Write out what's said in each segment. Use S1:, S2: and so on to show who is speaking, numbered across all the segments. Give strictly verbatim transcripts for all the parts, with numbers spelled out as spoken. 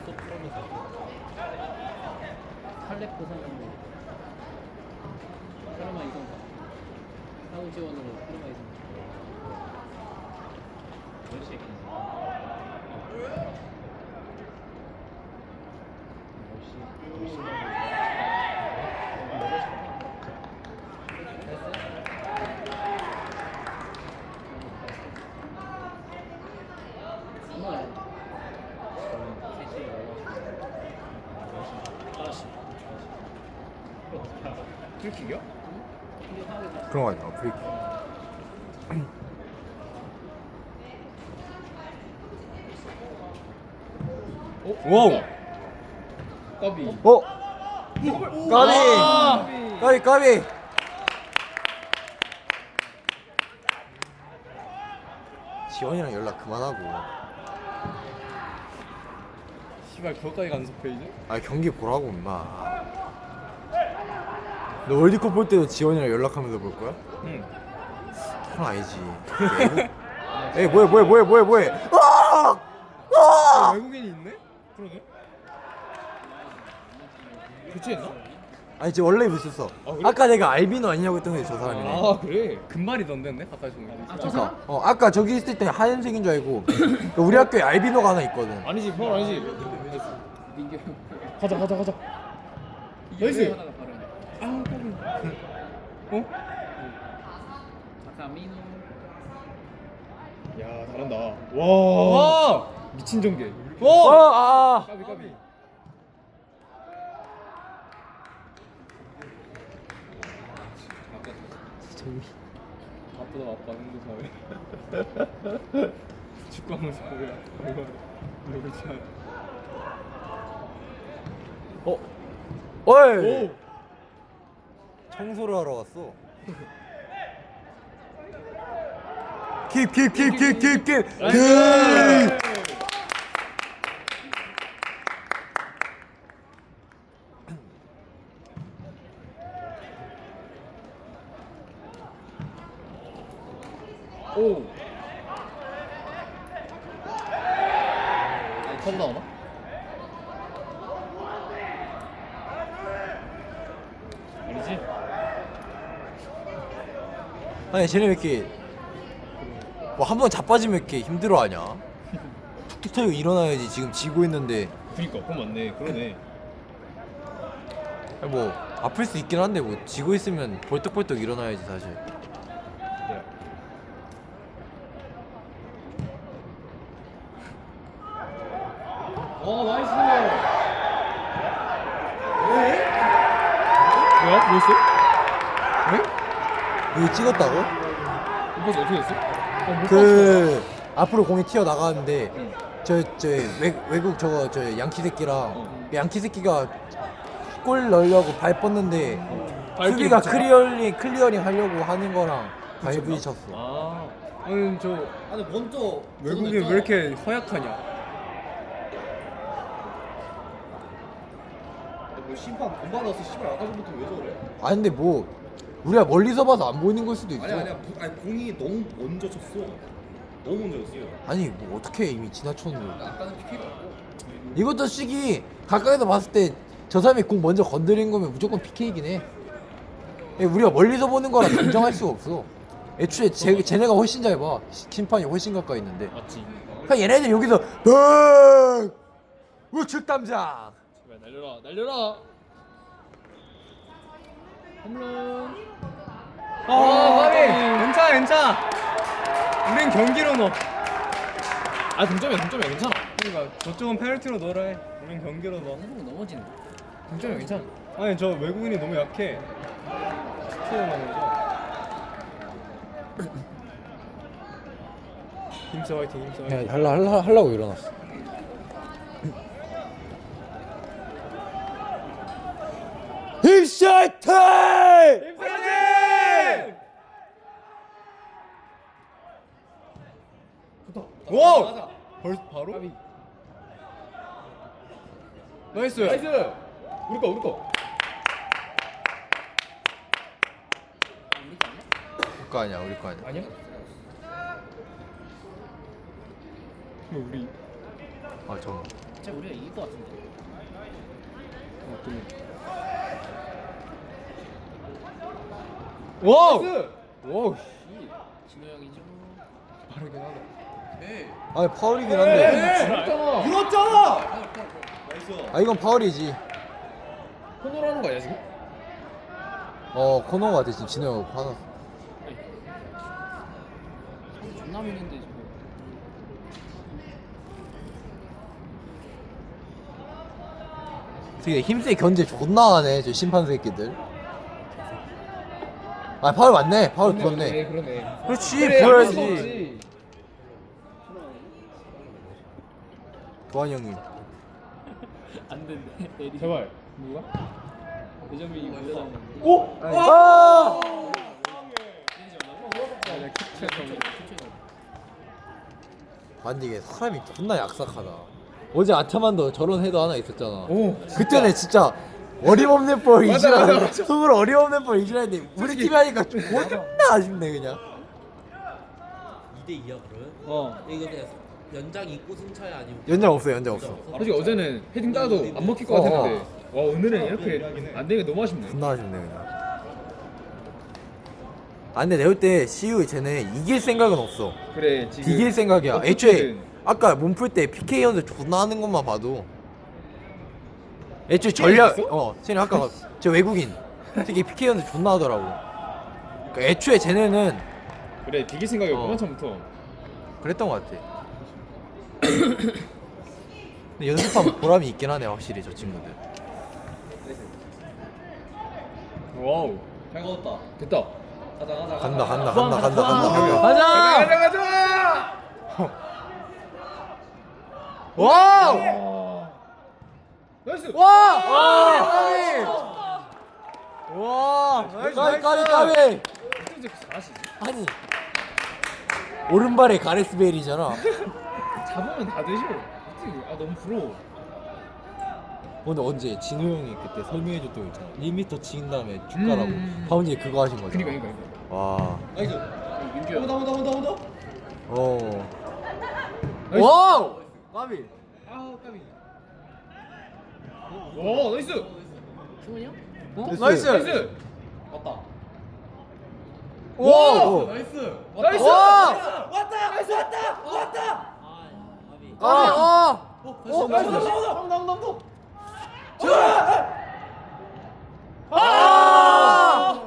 S1: 쏙 풀면서 탈레 보상으로 파르마 이성 사후 지원으로 파르마 이성 몇 시에
S2: 프리킥이요?
S3: 그런 거 아니야 프리킥. 와우.
S2: 까비.
S3: 어? 까비.
S2: 아!
S3: 까비 까비. 지원이랑 연락 그만하고.
S2: 씨발 그거까지 간섭해 이제?
S3: 아 경기 보라고 임마. 너 월드컵 볼 때도 지원이랑 연락하면서 볼 거야?
S2: 응.
S3: 그건 아니지. 에이 뭐해 뭐해 뭐해 뭐해 뭐해. 아! 아!
S2: 외국인이 있네? 그러네. 교체했나?
S3: 아니 지금 원래 있었어.
S2: 아, 그래?
S3: 아까 내가 알비노 아니냐고 했던 게 저 사람이네.
S2: 아 그래? 금발이던데 근데 가까이서 보면.
S1: 아, 저
S3: 그러니까
S1: 사람?
S3: 어 아까 저기 있을 때 하얀색인 줄 알고. 그러니까 우리 학교에 알비노가 하나 있거든.
S2: 아니지 형 아니지.
S1: 민규
S2: 가자 가자 가자.
S1: 이게
S2: 나이스.
S1: 왜 하나가 바로
S2: 아 까비. 어?
S1: 아까 민우
S2: 야 잘한다. 와. 와. 미친 전개.
S3: 어,
S2: 와.
S3: 아,
S2: 까비 까비.
S3: 저기.
S2: 아프다 아빠 형도 사회. 축구하면서 뭐야? 얼마나 얼굴 참.
S3: 어, 어이.
S2: 오.
S3: 청소를 하러 왔어. 킵, 킵, 킵, 킵, 킵, 킵.
S2: 나이스. 오. 컵 나오나? 아니지?
S3: 아니 쟤네 왜 이렇게 뭐 한 번 자빠지면 이렇게 힘들어하냐? 툭툭 터지고 일어나야지. 지금 지고 있는데
S2: 그니까 그건 맞네. 그러네.
S3: 아니, 뭐 아플 수 있긴 한데 뭐 지고 있으면 벌떡벌떡 일어나야지 사실.
S2: 네. 와 나이스. 왜? 뭐야? 뭐였어? 왜?
S3: 이거 찍었다고?
S2: 이거 어떻게 됐어? 어, 못
S3: 그 앞으로 공이 튀어 나가는데
S2: 응.
S3: 저 저 외국 저거 저 양키 새끼랑
S2: 어.
S3: 그 양키 새끼가 골 넣으려고 발 뻗는데
S2: 발길이
S3: 수비가
S2: 붙였나?
S3: 클리어링 클리어링 하려고 하는 거랑 발 부딪혔어.
S2: 아, 아니 저
S4: 아니 먼저
S2: 외국인 왜 이렇게 허약하냐?
S4: 뭐 심판 돈 받아서 씨발 아까 전부터 왜 저래?
S3: 아 근데 뭐 우리가 멀리서 봐서 안 보이는 걸 수도 있어.
S4: 아니 아니야 부- 아니 공이 너무 먼저 쳤어. 너무 먼저 쳤어요.
S3: 아니 뭐 어떻게 이미 지나쳤는데.
S4: 아까는 피피가 없고.
S3: 이것도 시기 가까이서 봤을 때 저 사람이 공 먼저 건드린 거면 무조건 피케이긴 해. 예, 우리가 멀리서 보는 거라 단정할 수가 없어. 애초에 쟤, 쟤네가 훨씬 잘 봐. 심판이 훨씬 가까이 있는데.
S2: 맞지.
S3: 그냥 얘네들 여기서 흥! 우측 담장.
S2: 제발 날려라, 날려라. 홈런. 아, 까비. 괜찮아, 괜찮아. 우린 경기로 넣어. 아, 동점이야, 동점이야, 괜찮아. 그러니까 저쪽은 페널티로 넣으라 해. 우린 경기로 넣어.
S1: 한국 넘어지는
S2: 동점이야, 괜찮아. 아니, 저 외국인이 너무 약해. 스트레스 나면서. 힘써 화이팅, 힘써 화이팅.
S3: 할라 할라 하려고 일어났어. 힘샷 타임!
S2: 화이팅! 와! 벌 바로? 나이스. 나이스. 우리 거, 우리 거.
S3: 우리 거 아니야, 우리 거 아니야.
S2: 아니야? 뭐 우리
S3: 아 잠깐.
S1: 진짜 우리가 이길 것 같은데.
S2: 와우. 와우.
S1: 진호 형이죠.
S2: 빠르긴 하다.
S3: 아니 파울이긴 한데.
S2: 물었잖아.
S4: 나이스.
S3: 아 이건 파울이지.
S2: 코너로 하는 거 아니야 지금?
S3: 어 코너 같아 지금 진호 형 화났어.
S1: 상대 존나 미는데 지금.
S3: 되게 힘세 견제 존나 하네 저 심판 새끼들. 아 파울 맞네. 파울 불었네.
S2: 네, 그러네.
S3: 그렇지
S2: 그래,
S3: 불어야지.
S2: 불었지.
S3: 도환 형님.
S1: 안 된대. 내리.
S2: 제발. 누가?
S1: 대전민이 올라가는 거.
S2: 오!
S3: 아! 아 근데 이게 사람이 존나 약삭하다. 어제 아차만도 저런 해도 하나 있었잖아.
S2: 오.
S3: 그때는 진짜 어림없는 볼
S2: 맞아, 맞아,
S3: 이지라는데
S2: 맞아.
S3: 속으로 어림없는 볼 이지라는데 우리
S2: 솔직히.
S3: 팀이 하니까 존나 아쉽네 그냥.
S5: 이 대 이야 그러면?
S2: 어.
S5: 이거 그냥 연장 있고 승차야 아니면
S3: 연장 없어 연장 없어.
S2: 솔직히 어제는 헤딩 따도 안 먹힐 것
S3: 어,
S2: 같았는데 와 오늘은 이렇게 안 되니까 너무 아쉽네.
S3: 존나 아쉽네 그냥. 아 근데 내가 볼 때 시우 쟤네 이길 생각은 없어.
S2: 그래 지금
S3: 이길 생각이야.
S2: 어떻게든.
S3: 애초에 아까 몸 풀 때 피케이 연습 존나 하는 것만 봐도 애초에 전략
S2: 있어?
S3: 어 쟤네 아까 저 외국인 특히 피케이 연습 존나 하더라고. 그러니까 애초에 쟤네는
S2: 그래 디길 생각이
S3: 어.
S2: 없구만 처음부터.
S3: 그랬던 것 같아. 근데 연습하면 보람이 있긴 하네 확실히 저 친구들.
S2: 와우.
S4: 잘 걷었다.
S2: 됐다.
S4: 가자 가자.
S3: 간다 간다 간다 간다 간다.
S2: 가자 가자 가자.
S3: 와우!
S2: 와. 나이스.
S3: 와! 와! 와! 까비 까비 까비!
S2: 어떻게 잘하시지?
S3: 아니 오른발에 가레스 베일이잖아.
S2: 잡으면 다 되죠. 어떻게- 아 너무 부러워.
S3: 근데 언제 진우 형이 그때 설명해줬던 거 있잖아. 일 미터 치인 다음에 쭉 가라고.
S2: 음.
S3: 방금 그거 하신 거잖아.
S2: 그니까 그니까 그니까.
S3: 와.
S4: 나이스.
S1: 민규야.
S4: 온다 온다 온다 온다.
S3: 어.
S2: 나이스.
S3: 와우! 까비.
S2: 아 까비. 와 나이스.
S1: 승훈이 형?
S3: 나이스.
S2: 나이스.
S4: 왔다.
S3: 와!
S4: 나이스.
S2: 나이스.
S3: 와!
S4: 왔다. 나이스 왔다. 왔다.
S3: 아! 아!
S4: 어 나이스. 온다 온다 온다 온다.
S3: 아!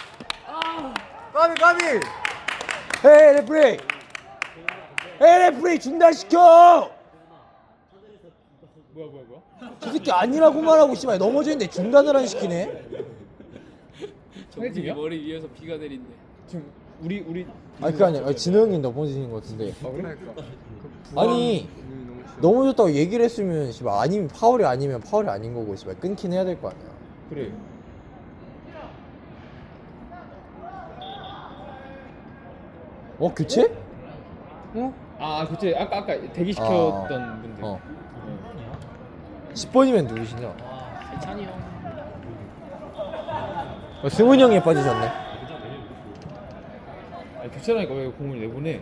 S3: 까비 까비. 헤이 레프리. 헤이 레프리 중단시켜.
S2: 뭐야 뭐야 뭐야?
S3: 저 새끼 아니라고 말하고 씨발 넘어지는데 중단을 안 시키네.
S1: 정국이 머리 위에서 비가 내린대.
S2: 지금 우리 우리.
S3: 아니 그게 아니라 진호 형이 넘어지는 것 같은데.
S2: 아 그래?
S3: 아니 넘어졌다고 얘기를 했으면 씨발 아니면 파울이 아니면 파울이 아닌 거고 씨발 끊긴 해야 될 거 아니야.
S2: 그래.
S3: 어 교체?
S2: 어? 아 그치 아까 아까 대기 시켰던
S3: 아,
S2: 분들.
S3: 어. 십 번이면 누구시냐?
S1: 와, 세찬이 형.
S3: 어, 승훈이 형이 빠지셨네.
S2: 아 교체라니까 왜 공을 내보내?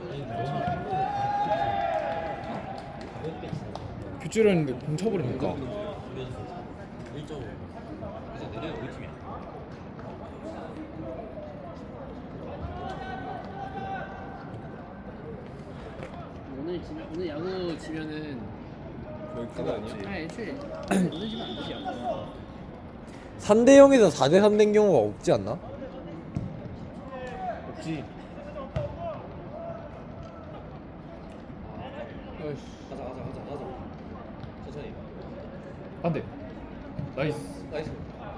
S2: 교체를 했는데 공 쳐버리니까.
S5: 일 점 오. 그래서 내려 우리 팀이야.
S1: 오늘 지 오늘 야구 지면은
S2: 거의 그거 아니야?
S1: 아 애초에 오늘 지면 안 되지 야구.
S3: 삼 대 영에서 사 대 삼 된 경우가 없지 않나?
S2: 없지. 아이씨.
S4: 가자 가자 가자 가자. 천천히.
S2: 안 돼. 나이스.
S4: 나이스.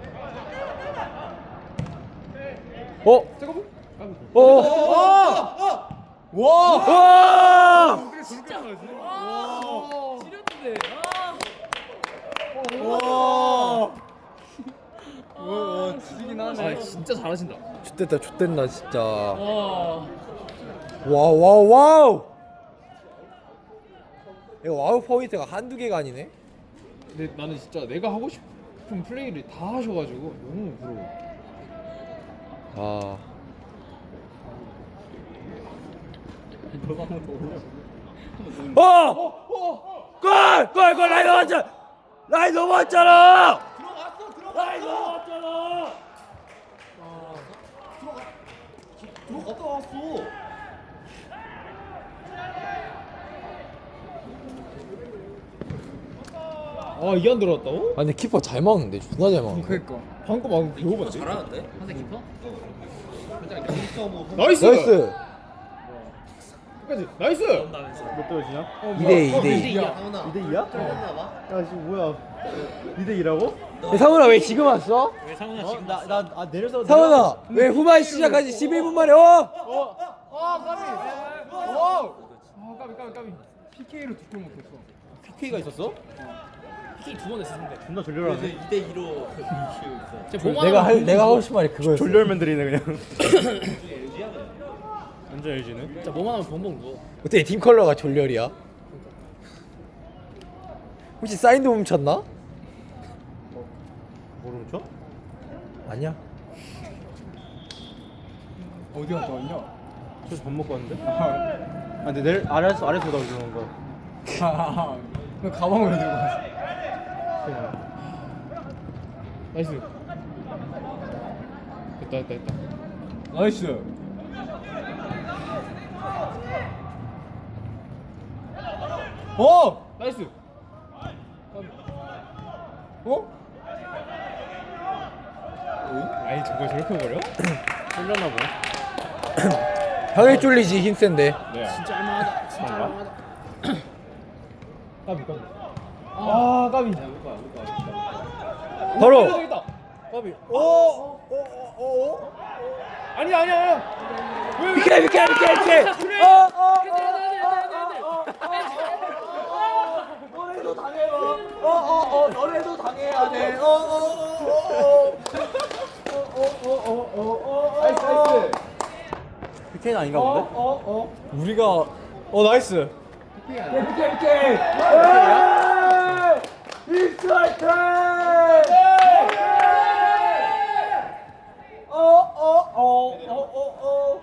S3: 어?
S2: 잠깐만.
S3: 어? 어? 와! 와!
S1: 진짜. 와. 지렸는데. 아.
S3: 와!
S2: 와 지리긴 하네. 아 진짜 잘하신다.
S3: 좋됐다 좋됐다 진짜.
S1: 와.
S3: 와와우 와우. 이거 와우 포인트가 한두 개가 아니네.
S2: 근데 나는 진짜 내가 하고 싶은 플레이를 다 하셔가지고 너무 부러워.
S3: 아. 어! 골! 골! 골! 라인 넘었잖아! 라인 넘었잖아!
S4: 들어갔어 들어갔어. 라인 넘었잖아. 들어갔다 왔어.
S2: 아 이게 안 들어갔다고?
S3: 아 근데 키퍼 잘 막는데 존나 잘 막는데.
S2: 그러니까 방금 방금 배우 봤지?
S5: 잘하는데?
S1: 한대 키퍼?
S5: 살짝
S4: 점수
S2: 나이스!
S3: 나이스!
S2: 끝까지 나이스!
S5: 나면서
S2: 몇 대지냐? 어,
S3: 이 대 이, 이 대 이.
S1: 이 대 이야.
S5: 상훈아
S2: 이 대 이야?
S5: 했나 봐.
S2: 야 지금 뭐야 이 대 이라고?
S3: 상훈아 왜 지금 왔어?
S1: 왜 상훈아 지금
S2: 나나 내려서
S3: 상훈아 왜 후반 시작까지 십일 분 만에 어?
S2: 어! 아 까비! 어! 아 까비 까비 까비 피케이로 두 골 못했어
S3: 피케이가 있었어?
S1: 피케이 두번 했어 상대.
S2: 존나 졸렬하네
S5: 이 대 이로 이기고 있어.
S1: 쟤 보만
S3: 내가
S1: 하면
S3: 할 내가 하고 싶은 말이 그거였어.
S2: 졸렬맨들이네 그냥 완전 엘지네
S1: 진짜 뭐만 하면 벙벙 누워.
S3: 어떻게 팀 컬러가 졸렬이야? 혹시 사인도 훔쳤나?
S2: 뭐를 훔쳐?
S3: 아니야.
S2: 어디 갔다 왔냐? 저 밥 먹고 왔는데? 아 근데 내일 아래에서 아래에서 오다 그러는 거야 그 가방을 왜 들고 왔어? 나이스 됐다 됐다 됐다 나이스 어! 나이스 어? 아니 저거 저렇게 버려? 쫄렸나 보네
S3: 형이 쫄리지 힘센데.
S2: 네
S1: 진짜 할만하다. 진짜 할만하다.
S2: 까비 까비 아 까비
S3: 바로.
S2: 까비 오오오오 아니 아니 아니 왜
S3: 비켜 비켜 비켜 비켜. 어어 너네도 당해요. 어어어 너네도 당해야 돼. 어어어어어어어어어
S2: 나이스 나이스
S3: 비켜는 아닌가 본데?
S2: 어어어 우리가 어 나이스
S3: 비켜 비켜. 익사이트. 어어어어어어.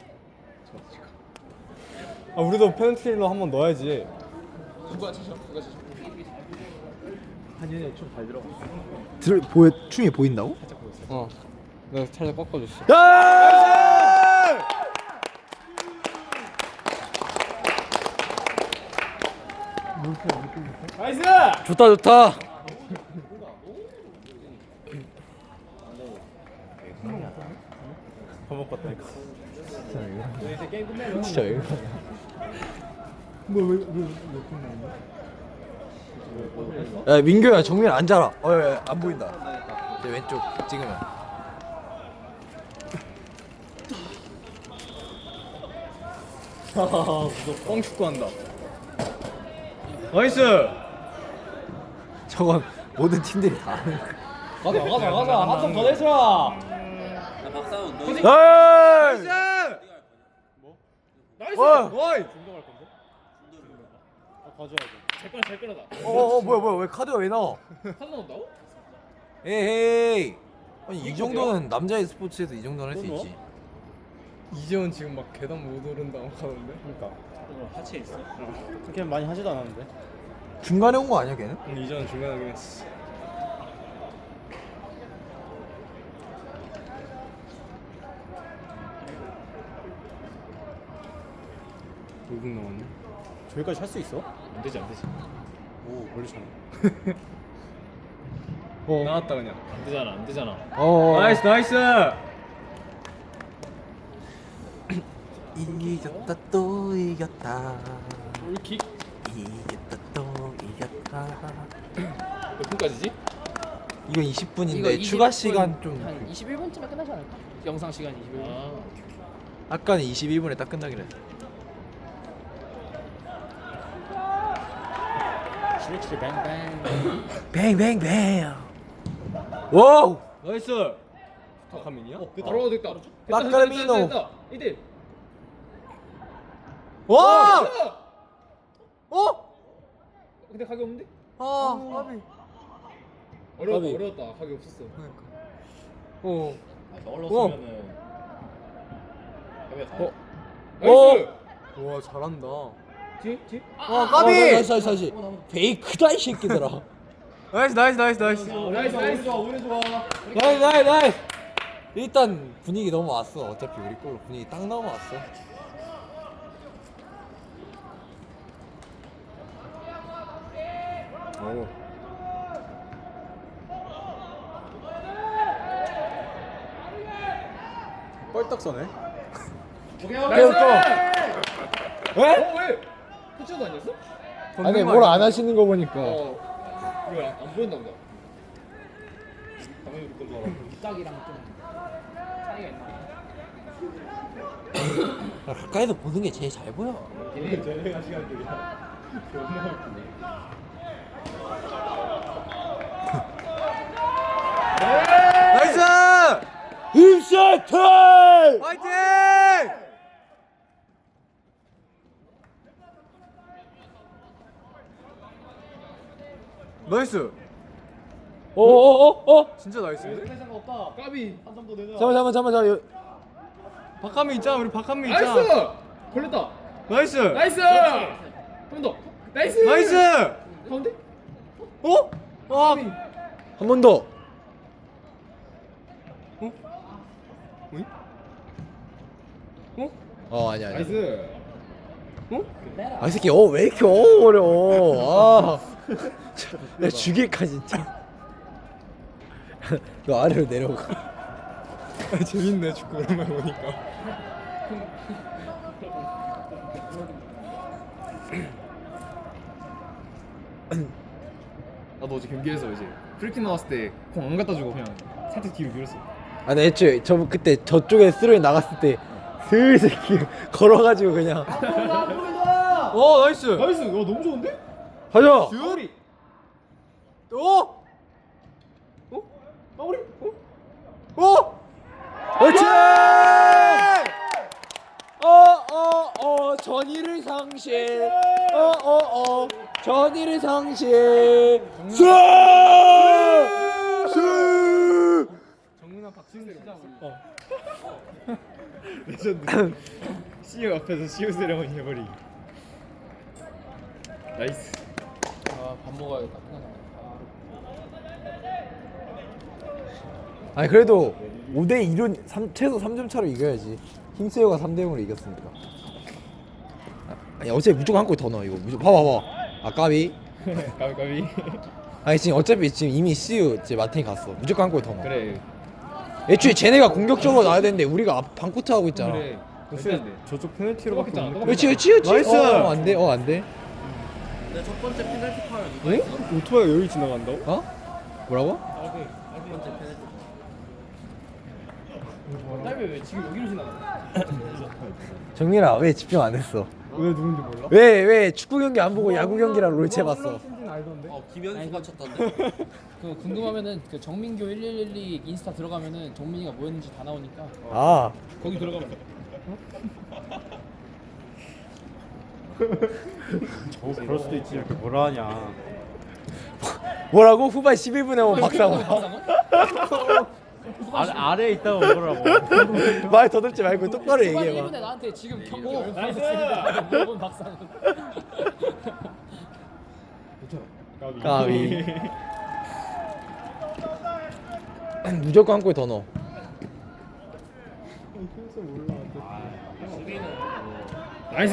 S2: 아 우리도 페널티킬러 한번 넣어야지
S3: 들 보여 춤이 보인다고?
S2: 어 내가 살짝 꺾어줬어
S3: 야!
S2: 나이스
S3: 좋다 좋다.
S2: 밥 먹고 왔다니까
S3: 진짜 왜?
S2: 뭐왜왜
S3: 야 민규야 정면 앉아라. 어안 보인다. 제 왼쪽 찍으면.
S2: 뻥 축구한다 나이스
S3: 저건 모든 팀들이 다 하는 거야.
S2: 가자 가자 가자 한 점 더 내자
S5: 야 박상훈 너
S3: 나이스!
S2: 나이스
S3: 와!
S2: 와이 중동할 건데? 아 가져야지
S1: 잘 끌어 잘 끌어다.
S3: 어어 뭐야 뭐야 왜 카드가 왜 나와?
S1: 카드 나온다고?
S3: 에헤이. 아니 이 정도는 남자의 스포츠에서 이 정도는 할 수 있지.
S2: 이재원 지금 막 계단 못 오른다고 하던데 그러니까
S5: 하체 있어?
S2: 그렇게 많이 하지도 않았는데
S3: 중간에 온 거 아니야 걔는?
S2: 응 이재원 중간에 하긴 했어 오 분 남았네 저기까지 할 수 있어?
S1: 안 되지 안 되지.
S2: 오 멀리 쳤네 어 나왔다 그냥
S1: 안 되잖아 안 되잖아.
S3: 어.
S2: 나이스 나이스
S3: 이겼다 또 이겼다.
S1: 골킥
S3: 이겼다 또 이겼다.
S1: 몇 분까지지?
S3: 이건 이십 분인데 추가 시간 좀.
S1: 한 이십일 분쯤에 끝나지 않을까? 영상 시간 이십일 분. 아.
S3: 아까는 이십이 분에 딱 끝나기로 했어.
S1: 칠칠 뱅뱅.
S3: 뱅뱅뱅. 와우.
S2: 나이스 스타카민이야? 어
S1: 바로 됐다.
S3: 마카르미노.
S1: 이대.
S3: 와. 어?
S1: 근데 가게 없는데?
S3: 아, 까비.
S1: 어려웠다
S2: 가비.
S1: 어려웠다. 가게 없었어.
S2: 어
S5: 저걸로쓰면은 해외 가야
S2: 어?
S1: 나이스.
S2: 와 잘한다 어
S3: 어,
S2: 까비.
S3: 나이스 나이스 나이스. 페이크다 이 새끼들아.
S2: 나이스 나이스 나이스 나이스.
S1: 나이스 나이스 좋아 오늘 좋아.
S3: 나이스 나이스 나이스. 일단 분위기 넘어왔어. 어차피 우리 걸로 분위기 딱 넘어왔어.
S2: 오. 뻘떡 서네.
S1: 오케이
S3: 오케이
S1: 나이스.
S3: 또. 왜?
S1: 어 왜? 터치도 아니었어?
S3: 아니 뭘 안 하시는 거 보니까.
S1: 어. 이거 안 보였나 보다. 당연히 우리 걸로 알아. 짝이랑 좀 차이가 있나?
S3: 가까이서 보는 게 제일 잘 보여.
S4: 쟤네가 시간들이야. 존나 웃기네.
S2: 나이스.
S3: 인사이트!
S2: 화이팅! 나이스.
S3: 어어어 어?
S2: 진짜 나이스인데?
S1: 생각 없다. 까비 한 점 더 내자.
S3: 잠깐 잠깐 잠깐 잠깐.
S2: 박한민 있잖아. 우리 박한민 있잖아.
S1: 나이스. 걸렸다.
S2: 나이스.
S1: 나이스. 한 번 더. 나이스.
S2: 나이스.
S1: 가운데?
S2: 어? 와.
S3: 한 번 더.
S2: 어? 어이? 어?
S3: 어 아니야 아니야.
S1: 나이스.
S2: 어?
S3: 아 이 새끼 어 왜 이렇게 어려워. 아. 내가 죽일까 진짜. 너 아래로 내려가.
S2: 아, 재밌네 축구 오랜만에 보니까. 나도 어제 경기에서 이제 프리킥 나왔을 때 공 안 갖다 주고 그냥 살짝 뒤로 밀었어.
S3: 아, 나 애초에 저 그때 저쪽에 스로이 나갔을 때 슬슬 기- 걸어가지고 그냥
S2: 어 나이스.
S1: 나이스. 야 너무 좋은데?
S3: 가자.
S2: 듀얼이. 어? 어?
S1: 마무리. 어?
S2: 어?
S3: 그렇지. 어어어 전의를 상실. 어어어 전의를 상실. 수. 수.
S2: 정문아 박진우 진짜 어. 레전드. 씨유 앞에서 씨유 세레머니 해버리. 나이스.
S1: 아밥 먹어야겠다.
S3: 아니 그래도 오 대 이로 최소 삼 점 차로 이겨야지. 힘세요가 삼 대 영으로 이겼으니까. 아니 어차피 무조건 한 골 더 넣어 이거. 무조건 봐봐 봐봐. 아 까비.
S2: 까비 까비.
S3: 아니 지금 어차피 지금 이미 씨유 이제 마틴이 갔어. 무조건 한 골 더 넣어.
S2: 그래.
S3: 애초에 쟤네가 공격적으로 나와야 되는데 우리가 앞 반코트 하고 있잖아.
S2: 그래. 글쎄 저쪽 페널티로밖에
S1: 똑같잖아,
S2: 없는데.
S3: 그렇지 그렇지 그렇지.
S2: 나이스.
S3: 어, 안 돼. 어, 안 돼.
S5: 근데 첫 번째 페널티 파울 누가
S3: 응?
S5: 했어?
S2: 오토바이가 여기 지나간다고?
S3: 어? 뭐라고?
S5: 첫 번째 페널티.
S1: 딸배 왜 지금 여기로 지나가?
S3: 정민아 왜 집중 안 했어?
S2: 왜 누군지 몰라?
S3: 왜 왜 축구 경기 안 보고 야구 경기랑 롤체 봤어?
S5: 어 김현수가 쳤던데.
S1: 그 궁금하면은 그 정민교 일일일이 인스타 들어가면은 정민이가 뭐였는지 다 나오니까
S3: 아
S1: 거기 들어가면 돼.
S4: 그럴 수도 있지. 이렇게 뭐라 하냐.
S3: 뭐라고? 후반 십일 분에 오면 박상원.
S4: 아, 아래에 있다고 그러라고.
S3: 말 더듬지 말고 똑바로
S1: 후반 일
S3: 얘기해봐.
S1: 분에 나한테 지금 경고 나이스 물어본 박상훈.
S3: 까비. 무조건 한 골 더 넣어.
S1: 나이스.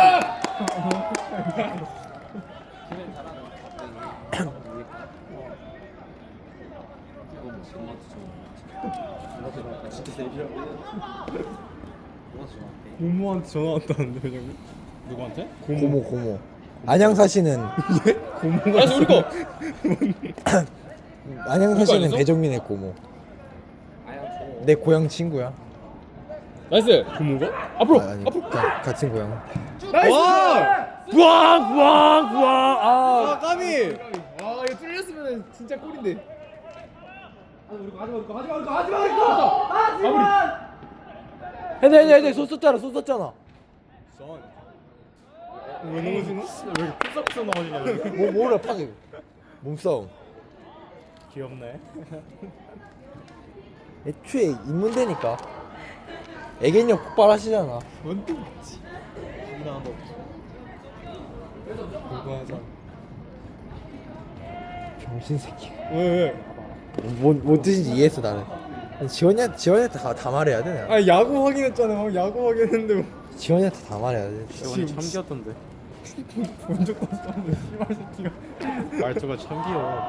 S2: 고모한테 전화 왔다는데 회장님?
S1: 누구한테?
S3: 고모 고모. 안양 사시는
S2: 고모가
S1: 나이스 우리 거.
S3: 안양 사시는
S1: 아니었어?
S3: 배정민의 고모. 내 고향 친구야.
S1: 나이스.
S2: 고모가?
S1: 앞으로.
S3: 아, 아니
S1: 앞으로.
S3: 가, 같은 고향.
S2: 와!
S3: 부앙 부앙 부앙. 아.
S2: 아 까비!
S1: 아 이거 뚫렸으면 진짜 꼴인데.
S3: 해내 해내 해내 소 썼잖아 소 썼잖아.
S2: 왜 넘어지노? 왜 이렇게 푸석푸석 넘어지냐?
S3: 뭐 뭐라 파게. 몸싸움.
S2: 귀엽네.
S3: 애초에 입문되니까. 애견력 폭발하시잖아.
S2: 뭔또 맞지? 그거 하자.
S3: 병신 새끼.
S2: 왜 왜?
S3: 뭔, 뭔 뜻인지 이해했어 나는. 지원이한테 지원이한테 다, 다 말해야 돼 내가.
S2: 아 야구 확인했잖아. 방 야구 확인했는데 뭐.
S3: 지원이한테 다 말해야 돼.
S2: 지금
S5: 참기였던데.
S2: 본 적도 없었는데 씨발 새끼가.
S5: 말투가 참 귀여워.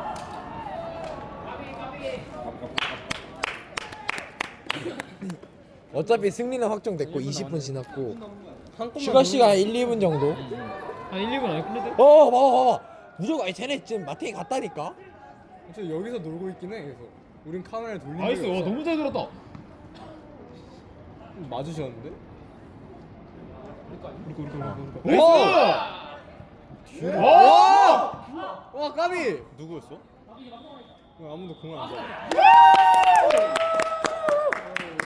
S3: 어차피 승리는 확정됐고 이십 분 지났고
S2: 한 골만
S3: 추가 시간 일, 이 분 정도.
S1: 한 일, 이 분 안에 끝내도?
S3: 어 봐봐 봐봐. 무조건 아니 쟤네 지금 마탱이 갔다니까.
S2: 저 여기서 놀고 있긴 해. 그래서 우린 카메라를 돌린 적이
S1: 나이스. 와,
S2: 없어.
S1: 너무 잘 들었다.
S2: 맞으셨는데?
S1: 나이스!
S2: 와! 와 까비!
S5: 누구였어?
S2: 왜 아무도 공을 안 잡아?